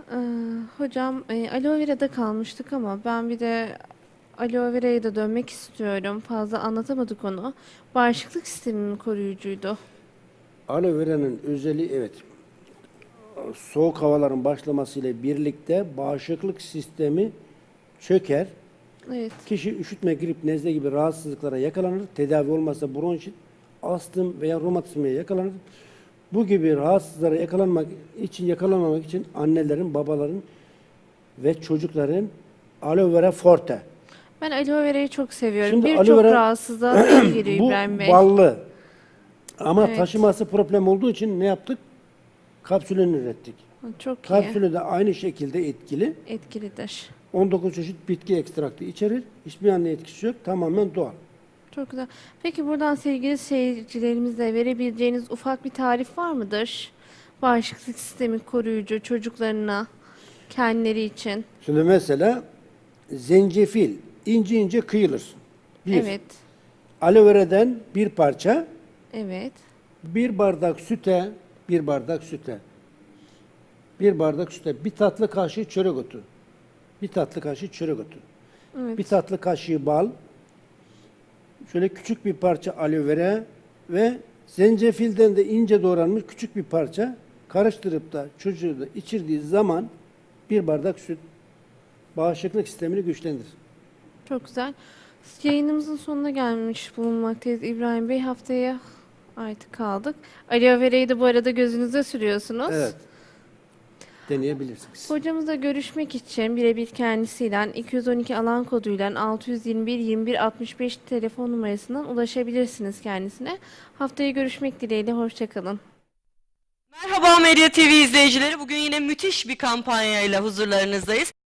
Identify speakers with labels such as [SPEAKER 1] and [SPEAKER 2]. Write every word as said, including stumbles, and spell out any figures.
[SPEAKER 1] Ee, hocam e, aloe vera'da kalmıştık ama ben bir de aloe vera'ya da dönmek istiyorum. Fazla anlatamadık onu. Bağışıklık sisteminin koruyucuydu.
[SPEAKER 2] Aloe vera'nın özelliği evet soğuk havaların başlamasıyla birlikte bağışıklık sistemi çöker.
[SPEAKER 1] Evet,
[SPEAKER 2] Kişi üşütme, grip, nezle gibi rahatsızlıklara yakalanır. Tedavi olmazsa bronşit, astım veya romatizmaya yakalanır. Bu gibi rahatsızlara yakalanmak için yakalanmamak için annelerin, babaların ve çocukların aloe vera forte.
[SPEAKER 1] ben aloe vera'yı çok seviyorum.
[SPEAKER 2] Şimdi aloe
[SPEAKER 1] Birçok
[SPEAKER 2] vera
[SPEAKER 1] rahatsızlığa da iyi geliyor
[SPEAKER 2] bu
[SPEAKER 1] İbrahim Bey.
[SPEAKER 2] ballı ama
[SPEAKER 1] Evet,
[SPEAKER 2] taşıması problem olduğu için ne yaptık? Kapsülünü ürettik.
[SPEAKER 1] çok iyi.
[SPEAKER 2] Kapsülü de aynı şekilde etkili.
[SPEAKER 1] Etkilidir.
[SPEAKER 2] on dokuz çeşit bitki ekstraktı içerir. Hiçbir anne etkisi yok. Tamamen doğal.
[SPEAKER 1] Çok güzel. Peki buradan sevgili seyircilerimize verebileceğiniz ufak bir tarif var mıdır? Bağışıklık sistemi koruyucu çocuklarına, kendileri için.
[SPEAKER 2] Şimdi mesela zencefil ince ince kıyılır. Bir.
[SPEAKER 1] Evet,
[SPEAKER 2] Aloe vera'dan bir parça,
[SPEAKER 1] evet,
[SPEAKER 2] bir bardak süte, bir bardak süte, bir bardak süte, bir tatlı kaşığı çörek otu, bir tatlı kaşığı çörek otu,
[SPEAKER 1] evet.
[SPEAKER 2] bir tatlı kaşığı bal, şöyle küçük bir parça aloe vera ve zencefilden de ince doğranmış küçük bir parça karıştırıp da çocuğu da içirdiği zaman bir bardak süt bağışıklık sistemini güçlendirir.
[SPEAKER 1] Çok güzel. Yayınımızın sonuna gelmiş bulunmaktayız İbrahim Bey. Haftaya artık kaldık. Aloe vera'yı da bu arada gözünüze sürüyorsunuz.
[SPEAKER 2] Evet, deneyebilirsiniz.
[SPEAKER 1] Hocamızla görüşmek için birebir kendisiyle iki yüz on iki alan koduyla altı yüz yirmi bir yirmi bir altmış beş telefon numarasından ulaşabilirsiniz kendisine. Haftaya görüşmek dileğiyle. Hoşçakalın.
[SPEAKER 3] Merhaba Medya T V izleyicileri. Bugün yine müthiş bir kampanyayla huzurlarınızdayız.